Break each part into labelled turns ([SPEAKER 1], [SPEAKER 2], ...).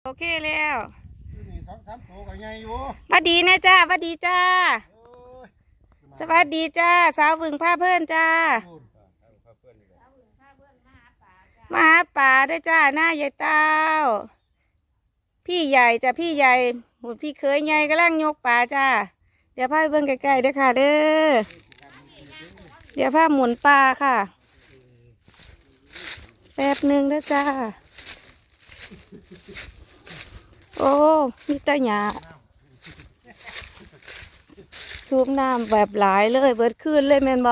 [SPEAKER 1] โอเคแล้ว
[SPEAKER 2] นี่สองสามตัวก็ใหญ่อยู่
[SPEAKER 1] สวัสดีนะจ้าสวัสดีจ้าสวัสดีจ้าสาวบึงผ้าเพื่อนจ้ามาหาป่าด้วยจ้าหน้าใหญ่เต้าพี่ใหญ่จ้ะพี่ใหญ่หมุนพี่เคยใหญ่กำลังยกป่าจ้าเดี๋ยวพาไปเบิ่งใกล้ๆด้วยค่ะเด้อเดี๋ยวพาหมุนปลาค่ะแป๊บหนึ่งด้วยจ้าโอ้มีตาหยาสูบน้ำแบบหลายเลยเบิดขึ้นเลยแม่นบอ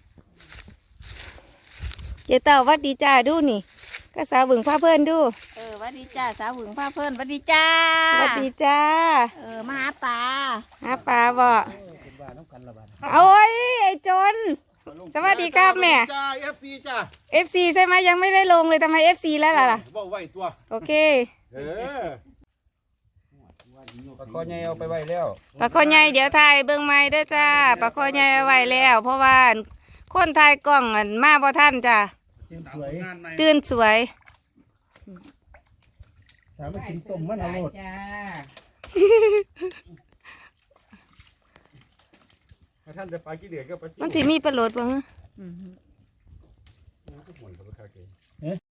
[SPEAKER 1] เจ้าเต่าวัดดีจ้าดูนี่ก็สาวบึงผ้าเพื่อนดู
[SPEAKER 3] วัดดีจ้าสาวบึงผ้าเพื่อนวัดดีจ้า
[SPEAKER 1] วัดดีจ้า
[SPEAKER 3] มาหาปลา
[SPEAKER 1] ปลาบ่โอ้ยไอ้จนสวัสดีครับแม่
[SPEAKER 2] จ้า FC จ้า
[SPEAKER 1] FC ใช่ไหมยังไม่ได้ลงเลยทำไม FC แล้วล่ะ
[SPEAKER 2] บอกไว้ตัว
[SPEAKER 1] โอเค
[SPEAKER 4] ปลาคอใหญ่เอาไปไว้แล้ว
[SPEAKER 1] ปลาคอใหญ่เดี๋ยวถ่ายเบิ่งไม้เด้อจ้าปลาคอใหญ่เอาไว้แล้วเพราะว่าคนถ่ายกล้องมาบ่ทันจ้าตื่นสวย
[SPEAKER 2] ถามว่ากินต้มมันอร่อย
[SPEAKER 4] ท่านจะปลากี่เดือนก็ปลา
[SPEAKER 1] มันสิมีปลาโหลดบ้าง